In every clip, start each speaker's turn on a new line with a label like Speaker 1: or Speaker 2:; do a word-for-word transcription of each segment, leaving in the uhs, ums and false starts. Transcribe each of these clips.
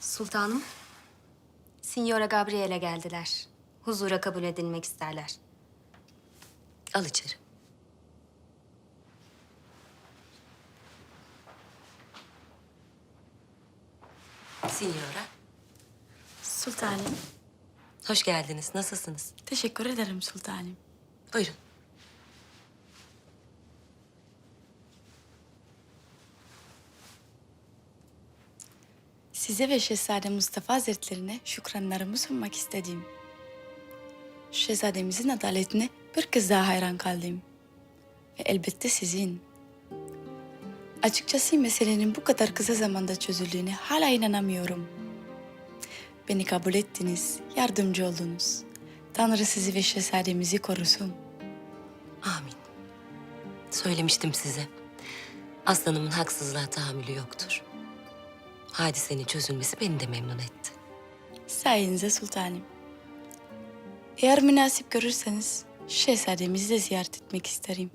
Speaker 1: Sultanım, Signora Gabriele geldiler. Huzura kabul edilmek isterler.
Speaker 2: Al içeri. Signora,
Speaker 3: Sultanım,
Speaker 2: hoş geldiniz. Nasılsınız?
Speaker 3: teşekkür ederim sultanım.
Speaker 2: Buyurun.
Speaker 3: Size ve Şehzade Mustafa Hazretlerine şükranlarımı sunmak istedim. Şehzademizin adaletine bir kez daha hayran kaldım. Ve elbette sizin. Açıkçası meselenin bu kadar kısa zamanda çözüldüğüne hala inanamıyorum. Beni kabul ettiniz, yardımcı oldunuz. Tanrı sizi ve şehzademizi korusun.
Speaker 2: Amin. Söylemiştim size. Aslanımın haksızlığa tahammülü yoktur. Hadisenin çözülmesi beni de memnun etti.
Speaker 3: Sayenizde sultanım. Eğer münasip görürseniz şehzademizi de ziyaret etmek isterim.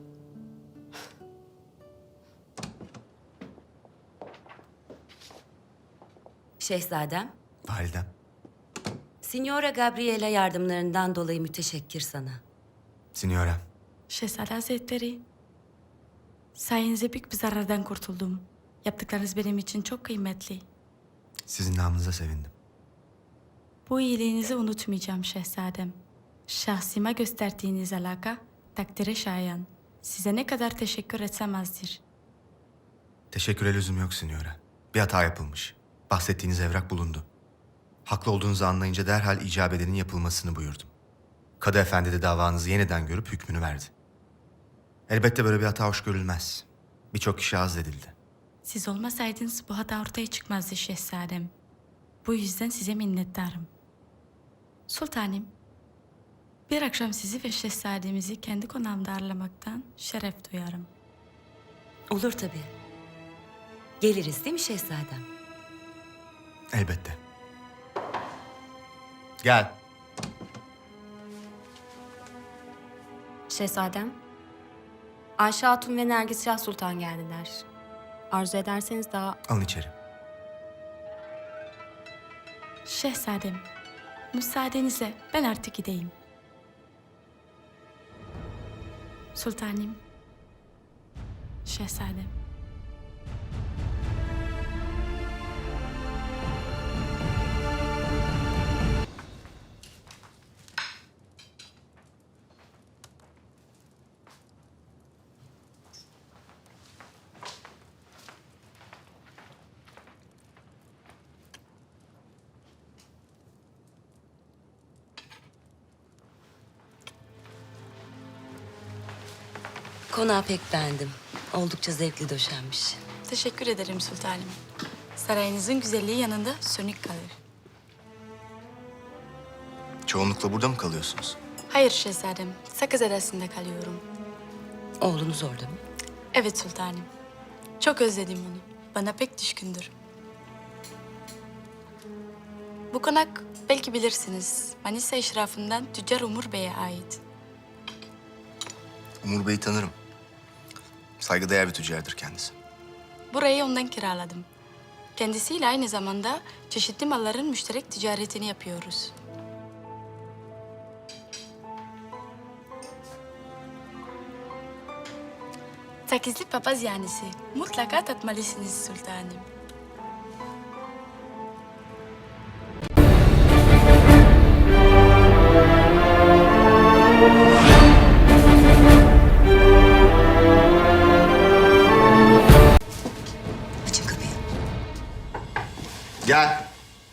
Speaker 2: Şehzadem,
Speaker 4: Validem.
Speaker 2: Signora Gabriela yardımlarından dolayı müteşekkir sana.
Speaker 4: Signora.
Speaker 3: Şehzade Hazretleri, sayenizde büyük bir zarardan kurtuldum. Yaptıklarınız benim için çok kıymetli.
Speaker 4: Sizin namınıza sevindim.
Speaker 3: Bu iyiliğinizi unutmayacağım şehzadem. Şahsıma gösterdiğiniz alaka takdire şayan. Size ne kadar teşekkür etsem azdır.
Speaker 4: Teşekküre lüzum yok Signora. Bir hata yapılmış. Bahsettiğiniz evrak bulundu. Haklı olduğunuzu anlayınca derhal icap edenin yapılmasını buyurdum. Kadı efendi de davanızı yeniden görüp hükmünü verdi. Elbette böyle bir hata hoş görülmez. Birçok kişi azledildi.
Speaker 3: Siz olmasaydınız bu hata ortaya çıkmazdı şehzadem. Bu yüzden size minnettarım. Sultanım, bir akşam sizi ve şehzademizi kendi konağımda ağırlamaktan şeref duyarım.
Speaker 2: Olur tabii. Geliriz değil mi şehzadem?
Speaker 4: Elbette. Gel.
Speaker 1: Şehzadem, Ayşe Hatun ve Nergis Şah Sultan geldiler. Arzu ederseniz daha...
Speaker 4: Alın içeri.
Speaker 3: Şehzadem, müsaadenizle ben artık gideyim. Sultanım, şehzadem.
Speaker 2: Konağı pek beğendim. Oldukça zevkli döşenmiş.
Speaker 3: Teşekkür ederim sultanım. Sarayınızın güzelliği yanında sönük kalır.
Speaker 4: Çoğunlukla burada mı kalıyorsunuz?
Speaker 3: Hayır şehzadem, Sakız Adası'nda kalıyorum.
Speaker 2: Oğlunuz orada mı?
Speaker 3: Evet sultanım. Çok özledim onu. Bana pek düşkündür. Bu konak belki bilirsiniz. Manisa eşrafından Tüccar Umur Bey'e ait.
Speaker 4: Umur Bey'i tanırım. Saygıdeğer bir tüccardır kendisi.
Speaker 3: Burayı ondan kiraladım. Kendisiyle aynı zamanda çeşitli malların müşterek ticaretini yapıyoruz. Sakizli papaz yanisi. Mutlaka tatmalısınız sultanım.
Speaker 2: Açın kapıyı.
Speaker 4: Gel.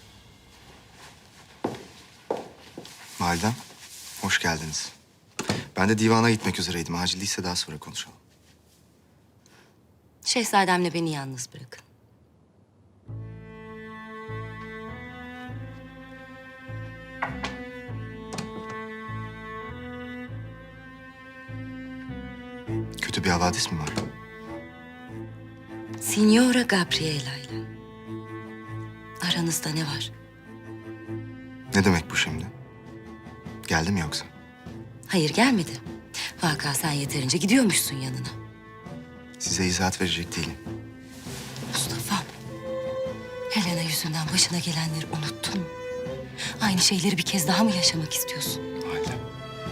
Speaker 4: Validem, hoş geldiniz. Ben de divana gitmek üzereydim. Acil değilse daha sonra konuşalım.
Speaker 2: Şehzademle beni yalnız bırakın.
Speaker 4: Kötü bir havadis mi var?
Speaker 2: Signora Gabriela ile. Aranızda ne var?
Speaker 4: Ne demek bu şimdi? Geldi mi yoksa?
Speaker 2: Hayır gelmedi. Vaka sen yeterince gidiyormuşsun yanına.
Speaker 4: Size izahat verecek değilim.
Speaker 2: Mustafa'm. Helena'yı yüzünden başına gelenleri unuttun mu? Aynı şeyleri bir kez daha mı yaşamak istiyorsun?
Speaker 4: Validem.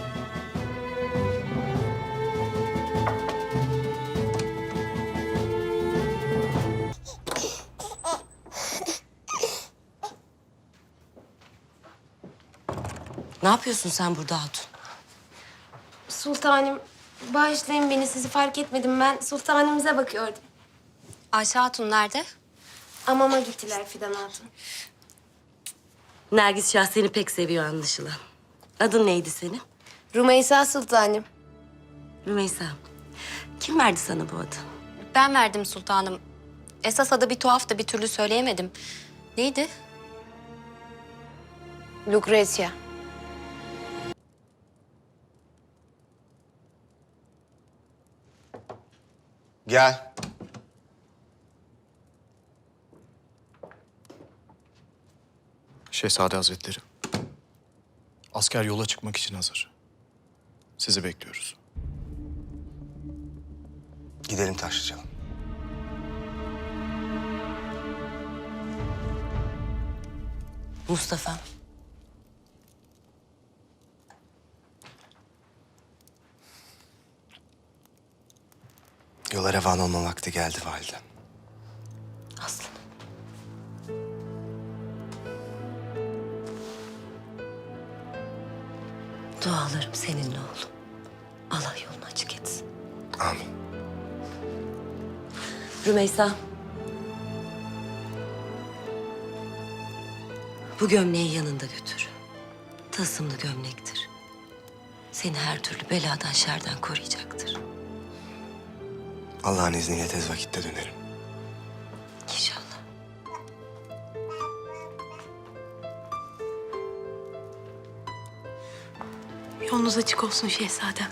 Speaker 2: Ne yapıyorsun sen burada Hatun?
Speaker 5: Sultanım, bağışlayın beni, sizi fark etmedim. Ben sultanımıza bakıyordum.
Speaker 1: Ayşe Hatun nerede?
Speaker 5: Amama gittiler Fidan Hatun.
Speaker 2: Nergis Şah seni pek seviyor anlaşılan. Adın neydi senin?
Speaker 5: Rümeysa sultanım.
Speaker 2: Rümeysa. Kim verdi sana bu adı?
Speaker 1: Ben verdim sultanım. Esas adı bir tuhaf da bir türlü söyleyemedim. Neydi?
Speaker 5: Lucrezia.
Speaker 4: Gel.
Speaker 6: Şehzade Hazretleri. Asker yola çıkmak için hazır. Sizi bekliyoruz.
Speaker 4: Gidelim Taşlıcalı.
Speaker 2: Mustafa.
Speaker 4: Yola revan olma vakti geldi validem.
Speaker 2: Aslanım. Dualarım seninle oğlum. Allah yolunu açık etsin.
Speaker 4: Amin.
Speaker 2: Rümeysa. Bu gömleği yanında götür. Tılsımlı gömlektir. Seni her türlü beladan, şerden koruyacaktır.
Speaker 4: Allah'ın izniyle tez vakitte dönerim.
Speaker 2: İnşallah.
Speaker 5: Yolunuz açık olsun şehzadem.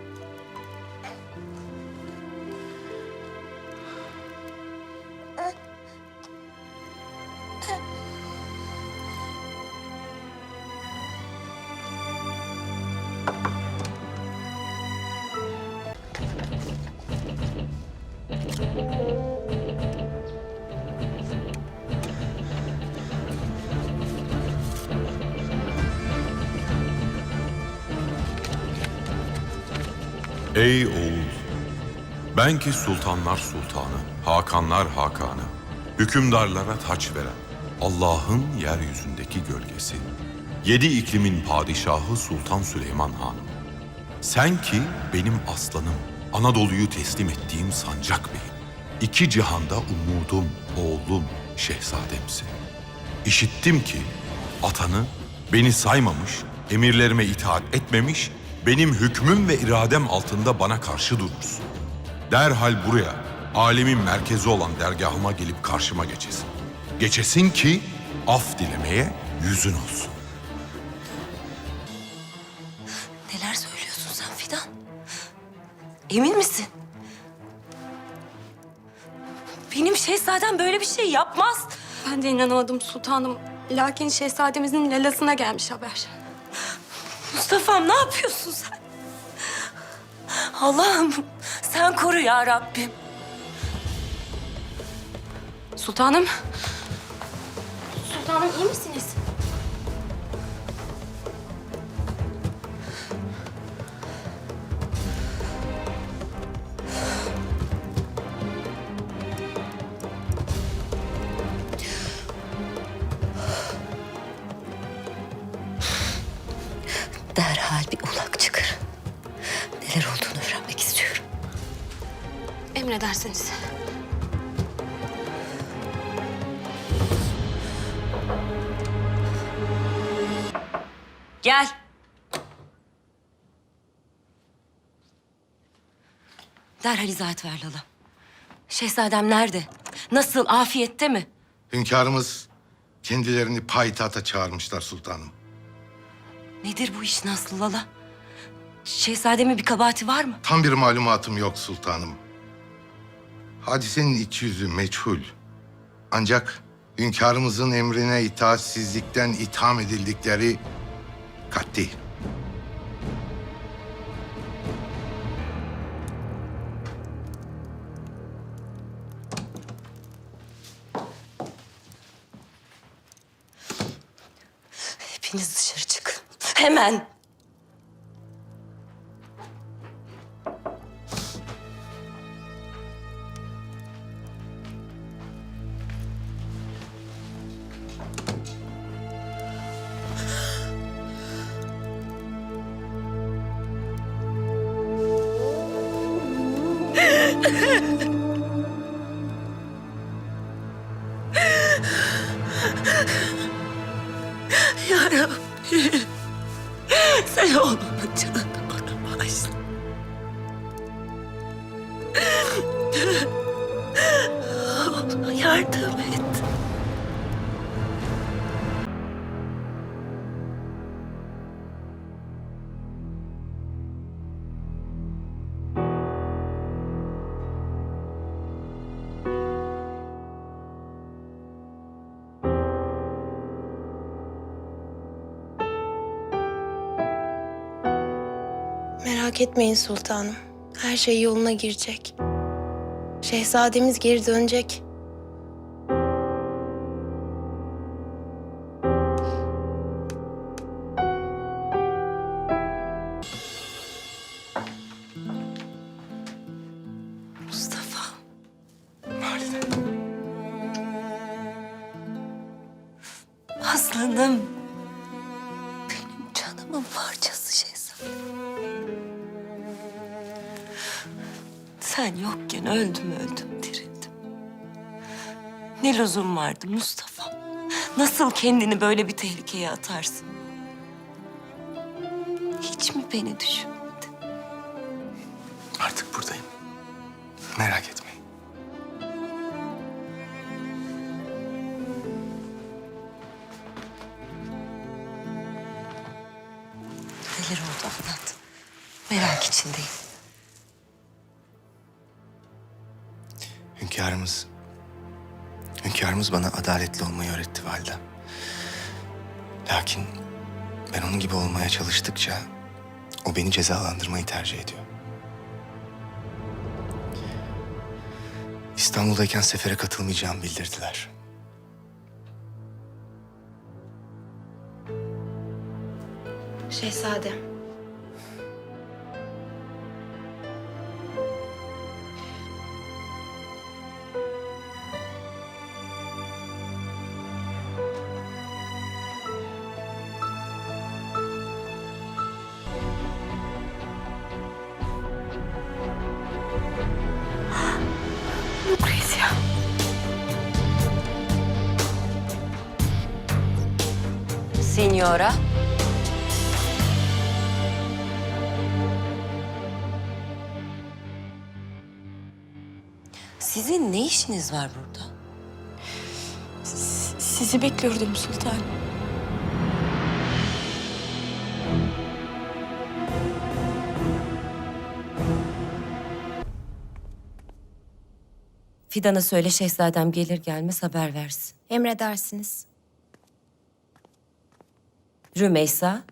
Speaker 7: Ey oğul! Ben ki sultanlar sultanı, hakanlar hakanı, hükümdarlara taç veren, Allah'ın yeryüzündeki gölgesi, yedi iklimin padişahı Sultan Süleyman Hanım. Sen ki benim aslanım, Anadolu'yu teslim ettiğim sancak beyim. İki cihanda umudum, oğlum, şehzademsin. İşittim ki atanı beni saymamış, emirlerime itaat etmemiş, benim hükmüm ve iradem altında bana karşı durursun. Derhal buraya, alemin merkezi olan dergahıma gelip karşıma geçesin. Geçesin ki af dilemeye yüzün olsun.
Speaker 2: Neler söylüyorsun sen Fidan? Emin misin? Benim şehzadem böyle bir şey yapmaz.
Speaker 5: Ben de inanamadım sultanım. Lakin şehzademizin lalasına gelmiş haber.
Speaker 2: Mustafa'm ne yapıyorsun sen? Allah'ım sen koru ya Rabbim.
Speaker 5: Sultanım. Sultanım iyi misiniz?
Speaker 2: Derhal bir ulak çıkar. Neler olduğunu öğrenmek istiyorum.
Speaker 5: Emredersiniz.
Speaker 2: Gel. Derhal izahat ver Lala. Şehzadem nerede? Nasıl? Afiyette mi?
Speaker 8: Hünkârımız kendilerini payitahta çağırmışlar sultanım.
Speaker 2: Nedir bu iş Nasıl Lala? Şehzademin bir kabahati var mı?
Speaker 8: Tam bir malumatım yok sultanım. Hadisenin iç yüzü meçhul. Ancak hünkârımızın emrine itaatsizlikten itham edildikleri kat'i.
Speaker 2: Hepiniz dışarı çıkın. Hemen. Ya Rabbi. Sen oğlumun canını bana bağışla. Oğluma yardım et.
Speaker 9: Merak etmeyin sultanım. Her şey yoluna girecek. Şehzademiz geri dönecek.
Speaker 2: Mustafa. Aslanım. Benim canımın parçası şehzadem. Sen yokken öldüm öldüm dirildim. Ne lüzum vardı Mustafa? Nasıl kendini böyle bir tehlikeye atarsın? Hiç mi beni düşünmedin?
Speaker 4: Artık buradayım. Merak etmeyin.
Speaker 2: Neler oldu anlat. Merak içindeyim.
Speaker 4: Hünkârımız... Hünkârımız bana adaletli olmayı öğretti validem. Lakin ben onun gibi olmaya çalıştıkça o beni cezalandırmayı tercih ediyor. İstanbul'dayken sefere katılmayacağımı bildirdiler.
Speaker 9: Şehzadem. Lucrezia.
Speaker 2: Signora. Sizin ne işiniz var burada?
Speaker 3: S- Sizi bekliyordum sultanım.
Speaker 2: Fidan'a söyle şehzadem gelir gelmez haber versin.
Speaker 9: Emredersiniz.
Speaker 2: Rümeysa.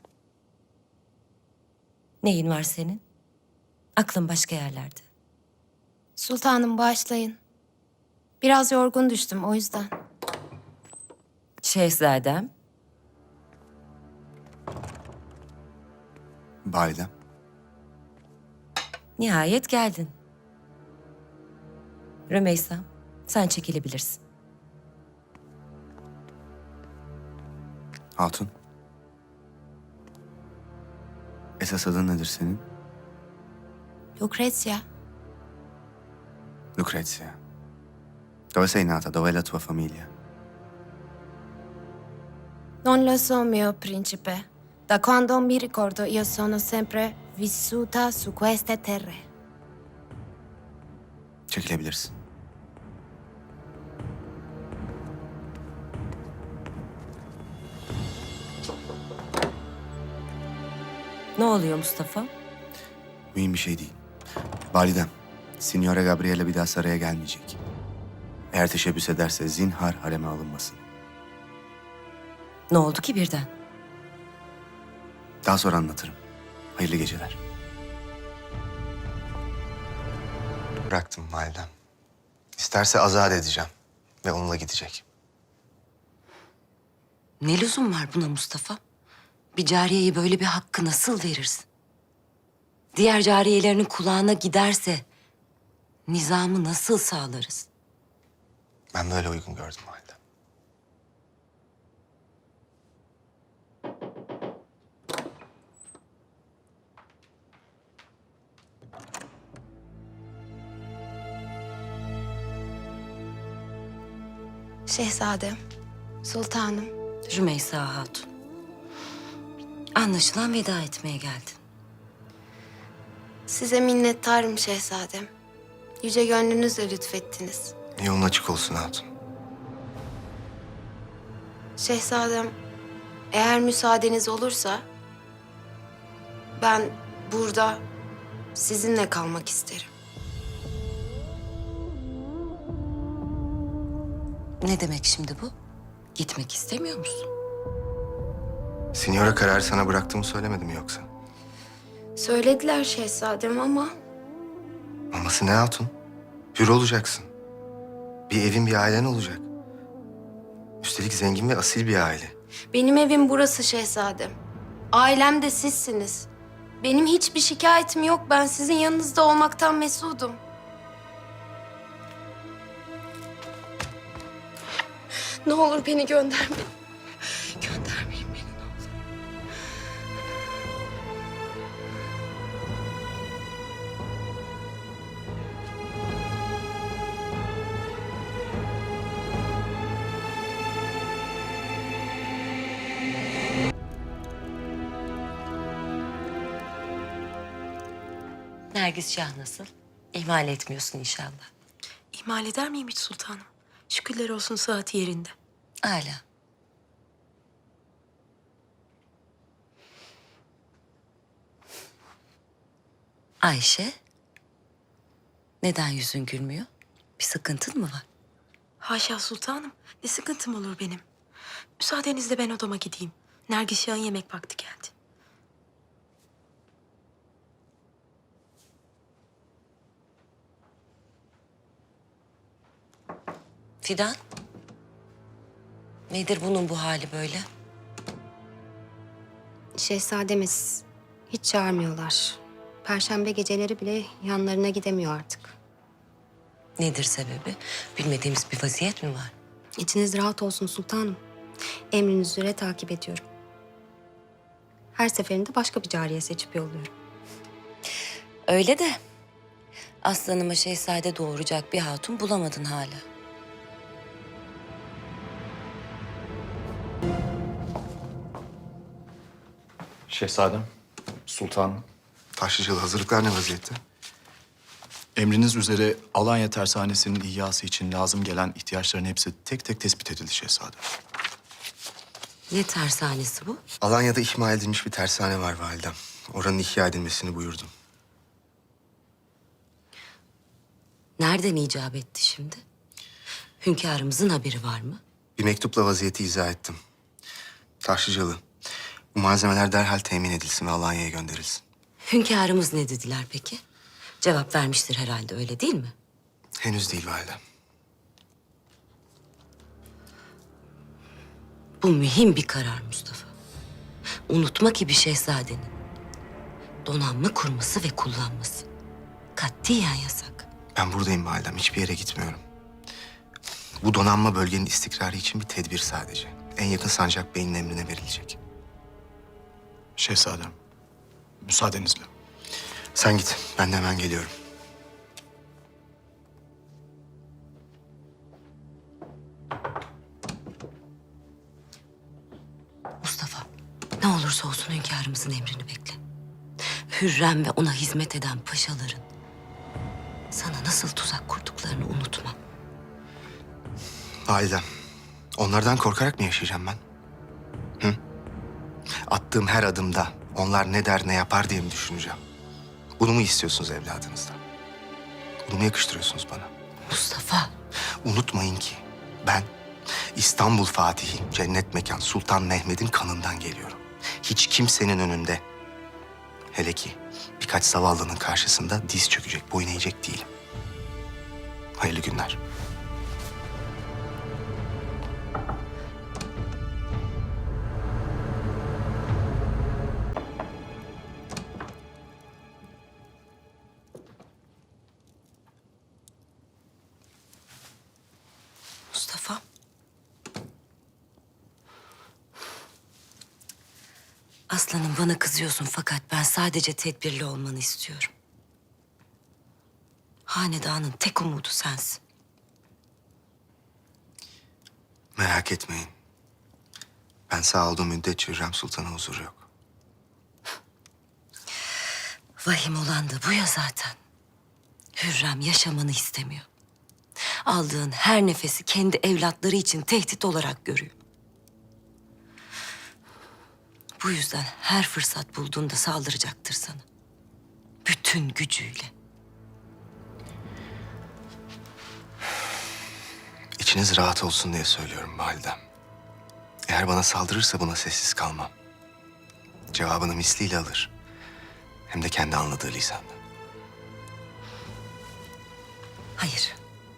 Speaker 2: Neyin var senin? Aklın başka yerlerde.
Speaker 9: Sultanım bağışlayın. Biraz yorgun düştüm o yüzden.
Speaker 2: Şehzadem.
Speaker 4: Validem.
Speaker 2: Nihayet geldin. Rümeysa, sen çekilebilirsin.
Speaker 4: Hatun. Esas adın nedir senin?
Speaker 9: Lucrezia.
Speaker 4: Lucrezia. Dove sei nata? Dov'è la tua famiglia?
Speaker 9: Non lo so, mio principe. Da quando mi ricordo io sono sempre vissuta su queste terre.
Speaker 4: Çekilebilirsin.
Speaker 2: Ne oluyor Mustafa?
Speaker 4: Mühim bir şey değil. Validem, Signora Gabriela bir daha saraya gelmeyecek. Eğer teşebbüs ederse zinhar hareme alınmasın.
Speaker 2: Ne oldu ki birden?
Speaker 4: Daha sonra anlatırım. Hayırlı geceler. Bıraktım validem. İsterse azat edeceğim ve onunla gidecek.
Speaker 2: Ne lüzum var buna Mustafa? Bir cariyeye böyle bir hakkı nasıl verirsin? Diğer cariyelerinin kulağına giderse nizamı nasıl sağlarız?
Speaker 4: Ben böyle uygun gördüm validem.
Speaker 9: Şehzadem, sultanım.
Speaker 2: Rümeysa Hatun. Anlaşılan veda etmeye geldin.
Speaker 9: Size minnettarım şehzadem. Yüce gönlünüzle lütfettiniz.
Speaker 4: Yolun açık olsun hatun.
Speaker 9: Şehzadem, eğer müsaadeniz olursa... ...ben burada sizinle kalmak isterim.
Speaker 2: Ne demek şimdi bu? Gitmek istemiyor musun?
Speaker 4: Signora kararı sana bıraktığımı söylemedim yoksa?
Speaker 9: Söylediler şehzadem ama...
Speaker 4: Maması ne hatun? Hür olacaksın. Bir evin, bir ailen olacak. Üstelik zengin ve asil bir aile.
Speaker 9: Benim evim burası şehzadem. Ailem de sizsiniz. Benim hiçbir şikayetim yok. Ben sizin yanınızda olmaktan mesudum. Ne olur beni göndermeyin. Göndermeyin beni ne olur.
Speaker 2: Nergis Şah nasıl? İhmal etmiyorsun inşallah.
Speaker 10: İhmal eder miyim hiç sultanım? Şükürler olsun saati yerinde.
Speaker 2: Hala. Ayşe, neden yüzün gülmüyor? Bir sıkıntın mı var?
Speaker 10: Haşa sultanım. Ne sıkıntım olur benim. Müsaadenizle ben odama gideyim. Nergis Şah'ın yemek vakti geldi.
Speaker 2: Fidan, nedir bunun bu hali böyle?
Speaker 1: Şehzademiz hiç çağırmıyorlar. Perşembe geceleri bile yanlarına gidemiyor artık.
Speaker 2: Nedir sebebi? Bilmediğimiz bir vaziyet mi var?
Speaker 1: İçiniz rahat olsun sultanım. Emriniz üzere takip ediyorum. Her seferinde başka bir cariye seçip yolluyorum.
Speaker 2: Öyle de aslanıma şehzade doğuracak bir hatun bulamadın hala.
Speaker 6: Şehzadem, sultanım.
Speaker 4: Taşlıcalı hazırlıklar ne vaziyette?
Speaker 6: Emriniz üzere Alanya Tersanesi'nin ihyası için lazım gelen ihtiyaçların hepsi tek tek tespit edildi şehzadem.
Speaker 2: Ne tersanesi bu?
Speaker 4: Alanya'da ihmal edilmiş bir tersane var validem. Oranın ihya edilmesini buyurdum.
Speaker 2: Nereden icap etti şimdi? Hünkârımızın haberi var mı?
Speaker 4: Bir mektupla vaziyeti izah ettim. Taşlıcalı, bu malzemeler derhal temin edilsin ve Alanya'ya gönderilsin.
Speaker 2: Hünkârımız ne dediler peki? Cevap vermiştir herhalde, öyle değil mi?
Speaker 4: Henüz değil validem.
Speaker 2: Bu mühim bir karar Mustafa. Unutma ki bir şehzadenin donanma kurması ve kullanması katiyen yasak.
Speaker 4: Ben buradayım validem, hiçbir yere gitmiyorum. Bu donanma bölgenin istikrarı için bir tedbir sadece. En yakın Sancak Bey'in emrine verilecek.
Speaker 6: Şehzadem, müsaadenizle.
Speaker 4: Sen git, ben de hemen geliyorum.
Speaker 2: Mustafa, ne olursa olsun hünkârımızın emrini bekle. Hürrem ve ona hizmet eden paşaların sana nasıl tuzak kurduklarını unutma.
Speaker 4: Validem, onlardan korkarak mı yaşayacağım ben? Hı? Attığım her adımda onlar ne der ne yapar diye mi düşüneceğim? Bunu mu istiyorsunuz evladınızdan? Bunu mu yakıştırıyorsunuz bana?
Speaker 2: Mustafa,
Speaker 4: Unutmayın ki ben İstanbul Fatihi, cennet mekan Sultan Mehmet'in kanından geliyorum. Hiç kimsenin önünde, hele ki birkaç zavallının karşısında diz çökecek, boyun eğecek değilim. Hayırlı günler.
Speaker 2: Aslanım bana kızıyorsun fakat ben sadece tedbirli olmanı istiyorum. Hanedanın tek umudu sensin.
Speaker 4: Merak etmeyin. Ben sağ olduğum müddetçe Hürrem Sultan'a huzuru yok.
Speaker 2: Vahim olan da bu ya zaten. Hürrem yaşamanı istemiyor. Aldığın her nefesi kendi evlatları için tehdit olarak görüyor. Bu yüzden her fırsat bulduğunda saldıracaktır sana. Bütün gücüyle.
Speaker 4: İçiniz rahat olsun diye söylüyorum validem. Eğer bana saldırırsa buna sessiz kalmam. Cevabını misliyle alır. Hem de kendi anladığı lisanla.
Speaker 2: Hayır.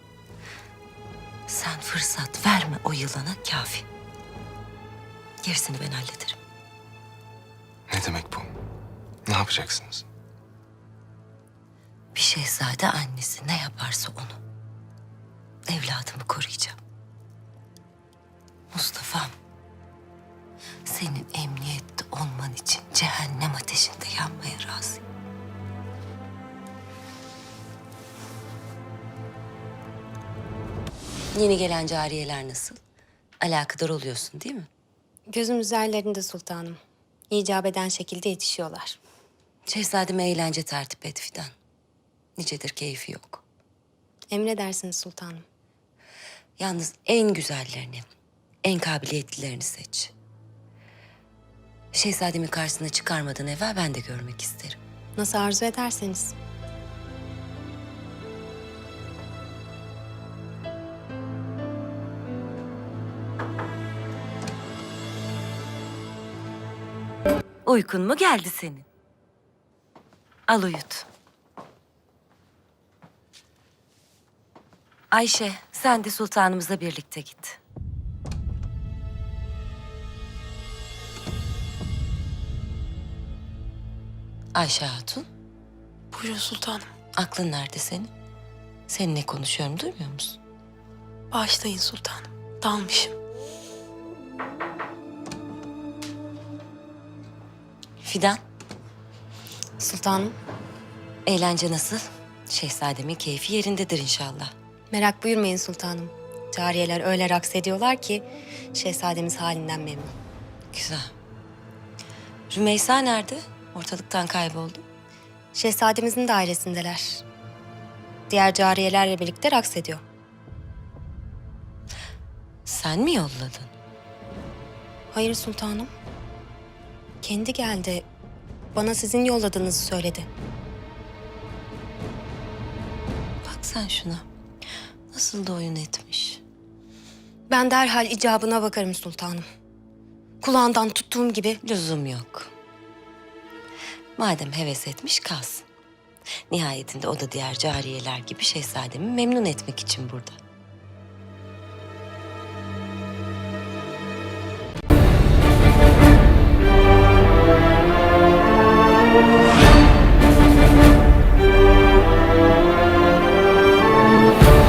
Speaker 2: Sen fırsat verme o yılana kafi. Gerisini ben hallederim.
Speaker 4: Ne demek bu? Ne yapacaksınız?
Speaker 2: Bir şehzade annesi ne yaparsa onu. Evladımı koruyacağım. Mustafa'm, senin emniyette olman için cehennem ateşinde yanmaya razıyım. Yeni gelen cariyeler nasıl? Alakadar oluyorsun değil mi?
Speaker 1: Gözüm üzerlerinde sultanım. İcap eden şekilde yetişiyorlar.
Speaker 2: Şehzademe eğlence tertip et Fidan. Nicedir keyfi yok.
Speaker 1: Emredersiniz sultanım.
Speaker 2: Yalnız en güzellerini, en kabiliyetlilerini seç. Şehzademi karşısına çıkarmadan evvel ben de görmek isterim.
Speaker 1: Nasıl arzu ederseniz.
Speaker 2: Uykun mu geldi senin? Al uyut. Ayşe, sen de sultanımızla birlikte git. Ayşe Hatun,
Speaker 10: Buyurun sultanım.
Speaker 2: aklın nerede senin? Seninle konuşuyorum, duymuyor musun?
Speaker 10: Bağışlayın sultanım. Dalmışım.
Speaker 2: Fidan,
Speaker 1: Sultanım,
Speaker 2: eğlence nasıl? Şehzademin keyfi yerindedir inşallah.
Speaker 1: merak buyurmayın sultanım. Cariyeler öyle raks ediyorlar ki şehzademiz halinden memnun.
Speaker 2: Güzel. Rümeysa nerede? Ortalıktan kayboldu.
Speaker 1: Şehzademizin dairesindeler. Diğer cariyelerle birlikte raks ediyor.
Speaker 2: Sen mi yolladın?
Speaker 1: Hayır sultanım. Kendi geldi. Bana sizin yolladığınızı söyledi.
Speaker 2: Bak sen şuna. Nasıl da oyun etmiş.
Speaker 1: Ben derhal icabına bakarım sultanım. Kulağından tuttuğum gibi.
Speaker 2: Lüzum yok. Madem heves etmiş kalsın. Nihayetinde o da diğer cariyeler gibi şehzademi memnun etmek için burada.